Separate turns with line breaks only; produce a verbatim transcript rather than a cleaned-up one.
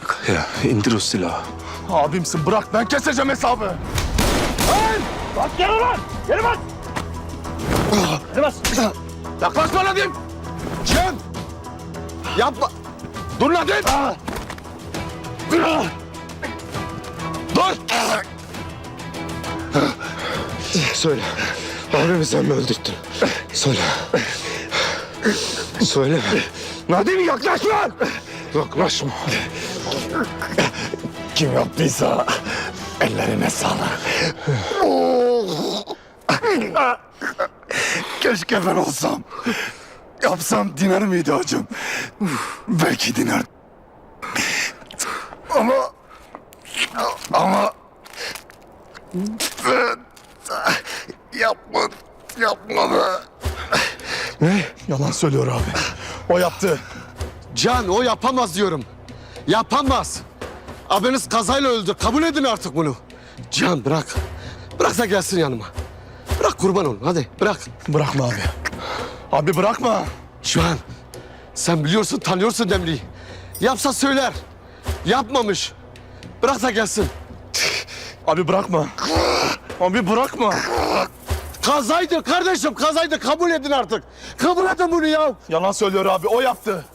Bırak ya, indir o silahı.
Abimsin, bırak, ben keseceğim hesabı.
Lan! Bas gel ulan! Geri bas! Geri bas!
Yaklaşma Nadim! Cihan! Yapma! Dur Nadim! Dur! Dur!
Söyle, abimi sen mi öldürttün? Söyle. Söyle.
Nadim yaklaşma!
Yaklaşma.
Kim yaptıysa ellerine sağlık. Keşke ben olsam. Yapsam diner miydi hacım? Belki diner. Ama... Ama... Ben... Yapma... Yapma be.
Ne?
Yalan söylüyor abi. O yaptı.
Can, o yapamaz diyorum. Yapamaz. Abiniz kazayla öldü. Kabul edin artık bunu. Can bırak. Bırak da gelsin yanıma. Bırak kurban olun. Hadi bırak.
Bırakma abi. Abi bırakma.
Can, sen biliyorsun, tanıyorsun Demli'yi. Yapsa söyler. Yapmamış. Bırak da gelsin.
Abi bırakma. Abi bırakma.
Kazaydı kardeşim, kazaydı. Kabul edin artık. Kabul edin bunu ya.
Yalan söylüyor abi. O yaptı.